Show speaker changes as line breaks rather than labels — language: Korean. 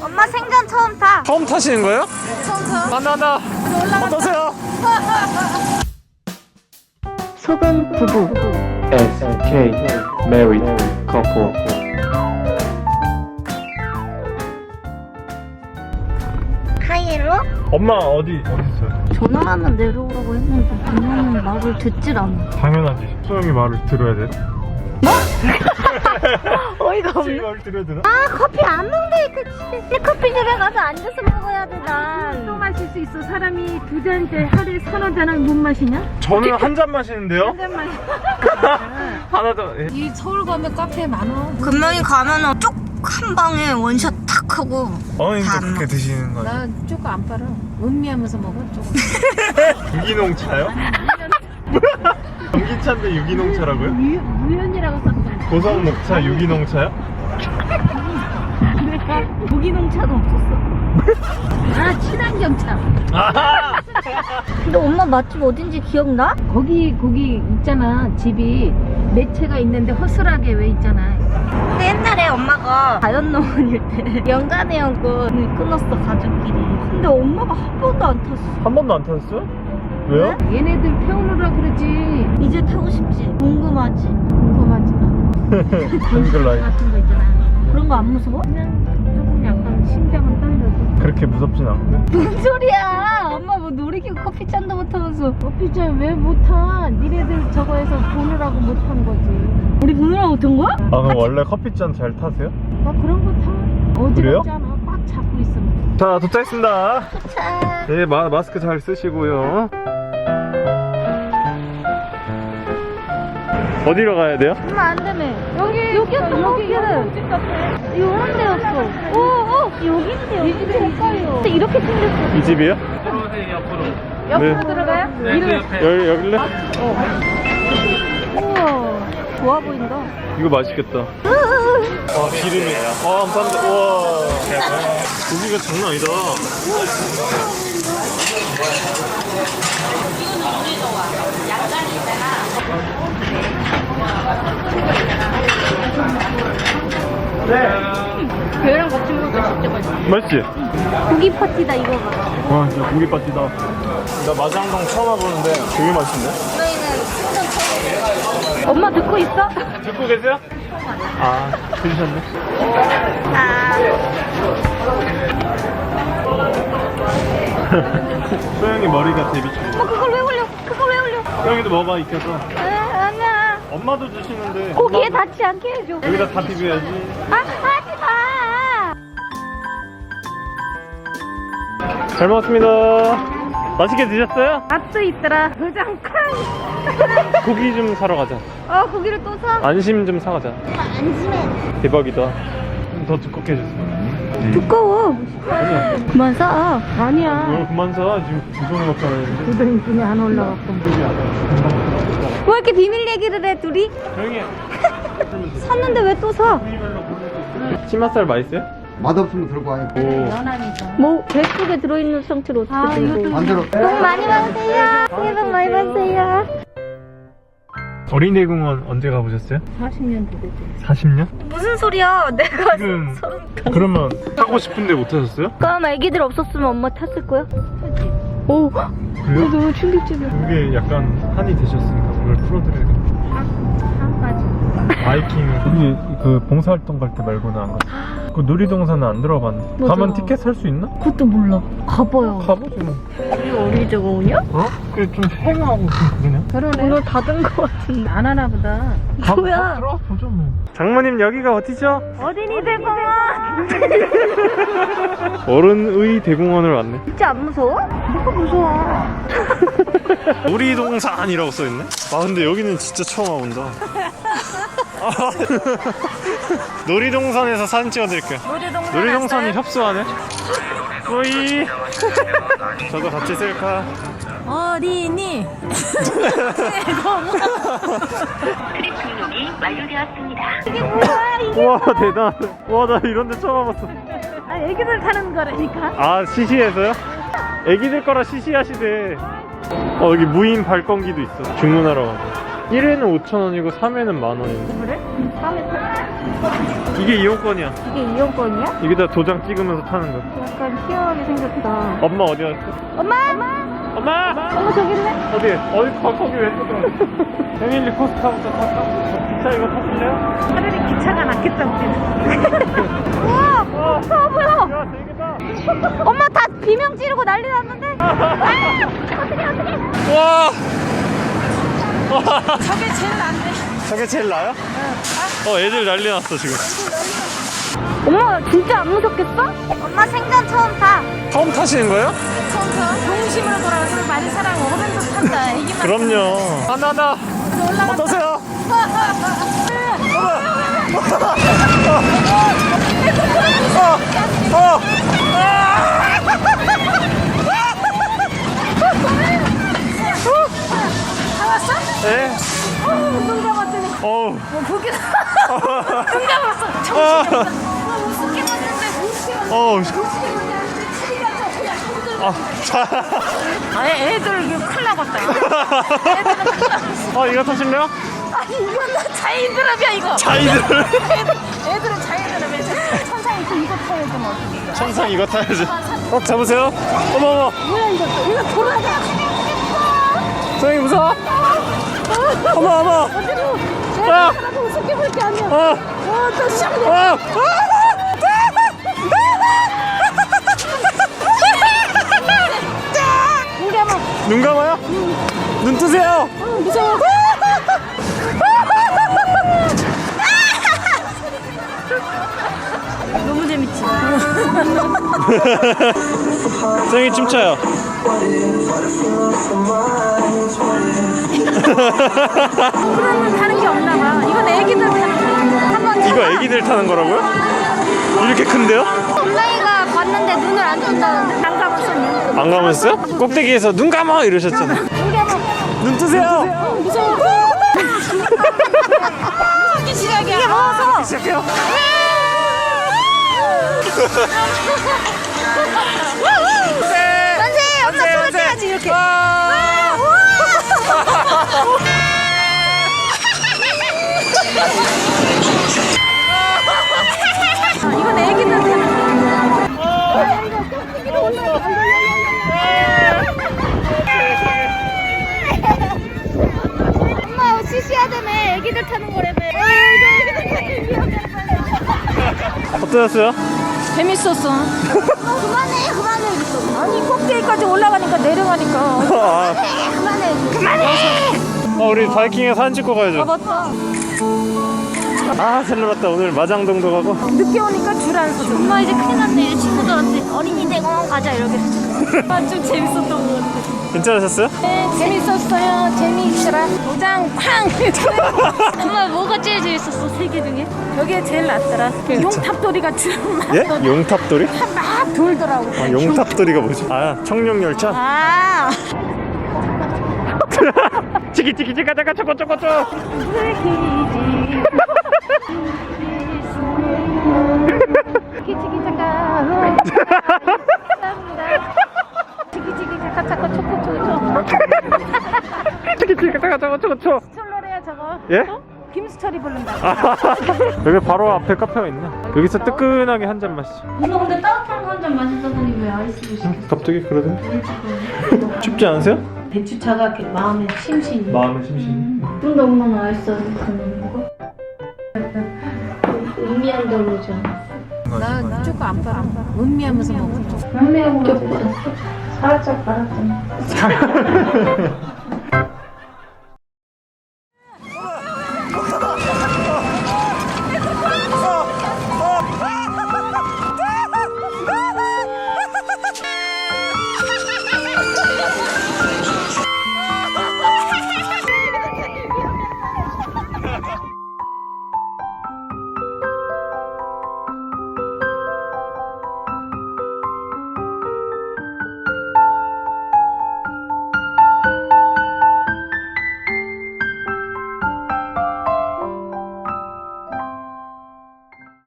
엄마 생전 처음 타.
처음 타시는 거예요?
처음 타.
간다. 어떠세요?
소금 부부.
SK Married Couple.
하이로?
엄마 어디 있어요?
전화만 내려오라고 했는데 그녀는 말을 듣질 않아.
당연하지. 소영이 말을 들어야 돼.
어이가 없네.
말을 들어야 되나?
아 커피 안 먹는데 그 커피숍에 가서 앉아서 먹어야 돼 난.
또 마실 수 있어. 사람이 두 잔째 하루에 서너 잔을 못 마시냐?
저는 한 잔 마시는데요?
한 잔 마시.
하나 더. 예.
이 서울 가면 카페 많어.
금명이 가면은 쭉 한 방에 원샷 탁 하고.
어머님도
다
그렇게 드시는 거예요?
나 조금 안 빨아. 음미하면서 먹어 조금.
유기농 차요? 전기차인데 유기농 차라고요?
무연이라고 썼던.
고성 녹차 유기농 차요?
무기농차도 없었어.
아 친환경차.
아하!
근데 엄마 맛집 어딘지 기억나?
거기 있잖아. 집이 매체가 있는데 허술하게 왜 있잖아.
근데 옛날에 엄마가 자연농원일 때 연간의 연권을 끊었어 가족끼리. 근데 엄마가 한 번도 안 탔어.
한 번도 안 타셨어요? 왜요?
얘네들 태우느라 그러지.
이제 타고 싶지. 궁금하지.
궁금하지 마.
한글라이.
같은 거 있잖아.
그런 거 안 무서워?
그냥 조금 약간 심장은 떨려도.
그렇게 무섭진 않고.
뭔 소리야? 엄마 뭐 놀이기구 커피잔도 못 타면서.
커피차 왜 못타? 니네들 저거에서 보느라고 못한 거지.
우리 보느라 못한 거야?
아 그럼 원래 커피잔 잘 타세요?
나 그런 거 타.
그래요?
어지럽지 않아. 꽉 잡고 있으면.
자 도착했습니다.
차.
네 마스크 잘 쓰시고요. 어디로 가야 돼요?
엄마 안 되네. 여기였던 거 같아. 요런 데였어. 오, 여긴데 여기 될까요? 근데 이렇게 생겼어.
이 집이요?
옆으로
네.
들어가요?
여길래?
우와, 좋아 보인다.
이거 맛있겠다. 와 기름이. 아 감사합니다. 우와. 고기가 장난 아니다.
걔랑 같이 먹으면 진짜 맛있어.
맛있지?
고기 파티다 이거 봐.
와 진짜 고기 빠지다. 나 마장동 처음 와보는데 되게 맛있네.
저희는 생전 처음. 엄마 듣고 있어?
듣고 계세요? 아 들으셨네.
아.
소영이 머리가 데뷔처럼.
엄마 그걸 왜 올려? 그걸 왜 올려?
소영이도 먹어봐 익혀서.
아니야.
엄마도 주시는데.
고기에 닿지 않게 해줘.
여기다 다 비벼야지.
하지 마.
잘 먹었습니다. 맛있게 드셨어요?
맛도 있더라. 도장 쾅.
고기 좀 사러 가자.
고기를 또 사?
안심 좀 사가자.
안심해.
대박이다. 좀 더 두껍게 해주세요.
두꺼워. 그만 사.
아니야.
이걸 그만 사. 지금 구성이 없잖아요.
구덩이뿐이 안 올라갔고.
왜 이렇게 비밀 얘기를 해 둘이?
조용히 해.
샀는데 왜 또 사?
치맛살 맛있어요?
맛없으면 들고 와요.
오.
연하니까.
뭐 배 속에 들어있는 상태로 어떻게 들고?
반대로.
복 많이 받으세요. 새해 복 많이 받으세요.
어린이대공원 언제 가보셨어요?
40년 됐지.
40년?
무슨 소리야? 내가
지금 그러면 타고 싶은데 못 타셨어요?
그럼 애기들 없었으면 엄마 탔을 거야?
하지.
오,
그래요?
너무 충격적이야.
그게 약간 한이 되셨으니까 그걸 풀어드려야겠다.
한까지.
바이킹 우리 그 봉사활동 갈 때 말고는 안 갔어. 그 놀이동산은 안 들어봤는데.
맞아.
가면 티켓 살 수 있나?
그것도 몰라. 가봐요.
가보지 뭐.
우리 어린이대공원이야?
어? 그게 좀 휑하고 좀 그러냐?
그러네.
오늘 닫은 거 같은데.
안 하나 보다.
뭐야?
들어보죠 뭐. 장모님 여기가 어디죠?
어린이대공원.
어른의 대공원을 왔네.
진짜 안 무서워? 뭐가 무서워?
놀이동산이라고 써있네? 아 근데 여기는 진짜 처음 와본다. 놀이동산에서 사진 찍어드릴게요. 놀이동산이 협소하네. 뿌이. 저도 같이 셀카.
어린이.
등록이 완료되었습니다.
우와 대단하네. 와 나 이런데 처음 와봤어.
아, 애기들 타는 거라니까.
아 시시해서요? 애기들 거라 시시하시대. 여기 무인 발권기도 있어. 주문하러 가고. 1회는 5,000원이고 3회는 10,000원인데?
그래? 다음에
이게 이용권이야.
이게 이용권이야?
여기다 도장 찍으면서 타는 거.
약간 희한하게 생겼다.
엄마 어디 갔어?
엄마!
엄마!
엄마 저기 있네?
어디? 거기 왜 또? 패밀리 코스타부터 탈까? 기차 이거 타실래요?
차라리 기차가 낫겠다 우리는.
우와! 뭐야?
야 재밌겠다.
엄마 다 비명 지르고 난리 났는데? 어떡해.
와!
저게 제일 낫네.
저게 제일 나요? 애들 난리 났어 지금.
엄마 진짜 안 무섭겠어? 엄마 생전 처음 타.
처음 타시는 거예요?
동심으로 돌아가서 많이 사랑 먹으면서 탄다. 애기만.
그럼요. 하나. 어떠세요?
다 왔어?
네.
눈 감았더니
어우.
보기 눈 감았어. 정신이 없어. 우습게 봤는데 우습게 봤는데
어우.
우습게 봤는데 그냥
아, 자.
애들 이거 큰일 나겠다. 애들은 큰일 나겠어.
이거 타실래요?
아니 이건 나 자이드랍이야 이거.
자이들.
애들은 자이드랍이야. 천상이 또 이거 타야지 뭐 어떻게.
천상 이거 타야지. 잡으세요. 어머.
뭐야 이거 돌아가.
선생님 무서워? 어머. 아.
나도 우습게 볼 게 아니야. 또 시작돼.
눈 감아요? 눈 뜨세요.
무서워. 너무 재밌지.
선생님 춤춰요.
그러면 다른 게 없나 봐. 이건 애기들 타는 거야. 한번
이거 애기들 타는 거라고요? 이렇게 큰데요?
엄마이가 봤는데 눈을 안 뜬다는데?
안 가봤어.
안 감았어요? 꼭대기에서 눈 감아 이러셨잖아. 눈 뜨세요.
무서워. 무섭게 시작이야.
이게 무서워.
시작해요.
만세! 엄마 손을 떼야지 이렇게.
이건 애기들 타는 거야.
엄마 시시하다며 애기들 타는 거라며. 이거 애기들 타는 위험해.
어떠셨어요?
재밌었어.
그만해.
아니 꼭대기까지 올라가니까 내려가니까.
그만해.
우리 바이킹에 사진 찍고 가야죠.
맞다.
잘 놀았다. 오늘 마장동도 가고.
늦게 오니까 줄 안 서서.
엄마 이제 큰일 났네. 친구들한테 어린이 대공원 가자 이렇게.
좀 재밌었던 것 같아.
괜찮으셨어요?
네, 재밌었어요. 재미있더라. 도장 팡!
엄마 뭐가 제일 재밌었어? 세 개 중에?
저게 제일 낫더라. 용탑돌이가 막
예? 용탑돌이?
막 돌더라고.
용탑돌이가 뭐지? 청룡열차?
아,
치키치키 가자가 쪼꼬쪼꼬쪼.
치키치키 잠깐. 치키치키 잠깐 잠깐 초코초코.
치키치키 가자가 쪼꼬쪼꼬.
스톨러래야 저거.
예?
어? 김스토리 부른다.
여기 바로 앞에 카페가 있네. 여기서 뜨끈하게 한 잔 마시죠.
엄마 근데 따뜻한 거 한 잔 마시다더니 왜 아이스를 시켰어?
갑자기 그러네. 춥지 않으세요?
배추차가 이렇게 마음에 심신이.
마음의 심신.
근데 엄마는 아이스를 그냥 먹어? 음미한 대로 오지 않았어?
나 조금 안 빨아. 음미하면서 먹어.
음미하고 좀 살짝 빨았잖아.